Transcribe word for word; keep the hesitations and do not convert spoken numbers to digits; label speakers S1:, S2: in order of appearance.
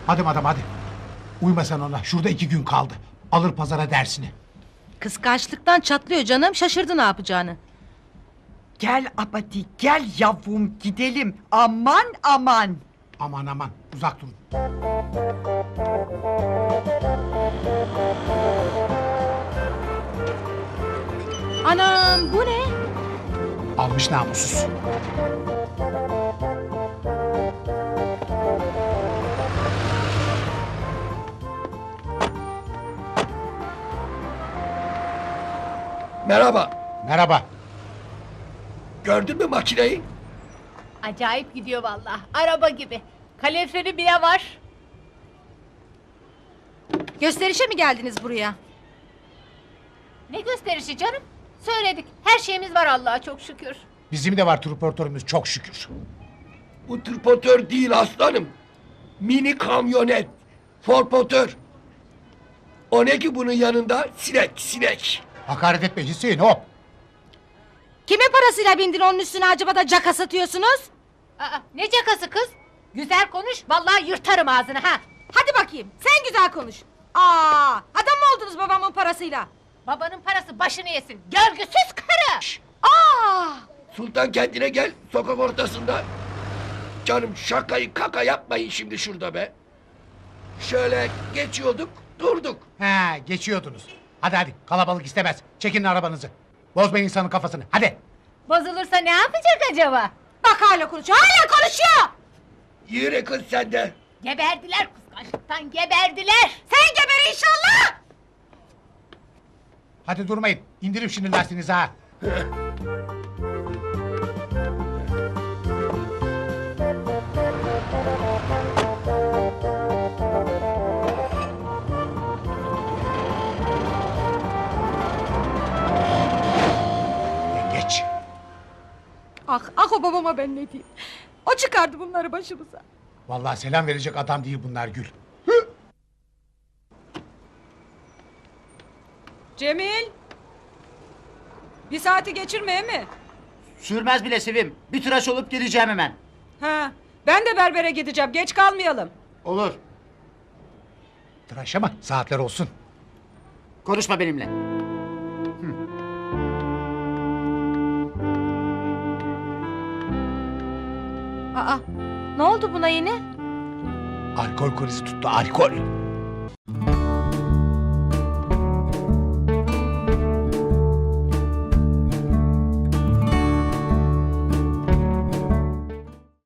S1: Hadi madam hadi. Uyma sen ona. Şurada iki gün kaldı. Alır pazara dersini.
S2: Kıskançlıktan çatlıyor canım. Şaşırdı ne yapacağını.
S3: Gel Abadi gel yavrum gidelim. Aman aman.
S1: Aman aman uzak durun.
S2: Anam bu ne?
S1: Almış namussuz.
S4: Merhaba.
S1: Merhaba.
S4: Gördün mü makineyi?
S5: Acayip gidiyor vallahi. Araba gibi. Kaloriferi bile var.
S2: Gösterişe mi geldiniz buraya?
S5: Ne gösterişi canım? Söyledik. Her şeyimiz var Allah'a çok şükür.
S1: Bizim de var transportörümüz çok şükür.
S4: Bu tırpotör değil aslanım. Mini kamyonet. Forpotör. O ne ki bunun yanında? Sinek, sinek.
S1: Hakaret etme Hüseyin hop.
S2: Kimin parasıyla bindin onun üstüne acaba da caka satıyorsunuz?
S5: Aa, ne cakası kız? Güzel konuş. Vallahi yırtarım ağzını ha.
S2: Hadi bakayım sen güzel konuş. Aa, adam mı oldunuz babamın parasıyla?
S5: Babanın parası başını yesin. Görgüsüz karı.
S2: Aa!
S4: Sultan kendine gel sokak ortasında. Canım şakayı kaka yapmayın şimdi şurada be. Şöyle geçiyorduk durduk.
S1: He geçiyordunuz. Hadi hadi kalabalık istemez. Çekin arabanızı. Bozmayın insanın kafasını hadi.
S5: Bozulursa ne yapacak acaba?
S2: Bak hala konuşuyor hala konuşuyor.
S4: Yürü kız sen de.
S5: Geberdiler kıskançlıktan geberdiler.
S2: Sen geber inşallah.
S1: Hadi durmayın. İndirin şimdi lastiğinizi ha. Geç.
S2: Ah ah o babama ben ne diyeyim. O çıkardı bunları başımıza.
S1: Vallahi selam verecek adam değil bunlar Gül.
S6: Cemil! Bir saati geçirmeye mi?
S7: Sürmez bile Sevim. Bir tıraş olup geleceğim hemen.
S6: Ha, ben de berbere gideceğim. Geç kalmayalım.
S7: Olur.
S1: Tıraş ama saatler olsun.
S7: Konuşma benimle.
S2: Aa, ne oldu buna yine?
S1: Alkol krizi tuttu alkol.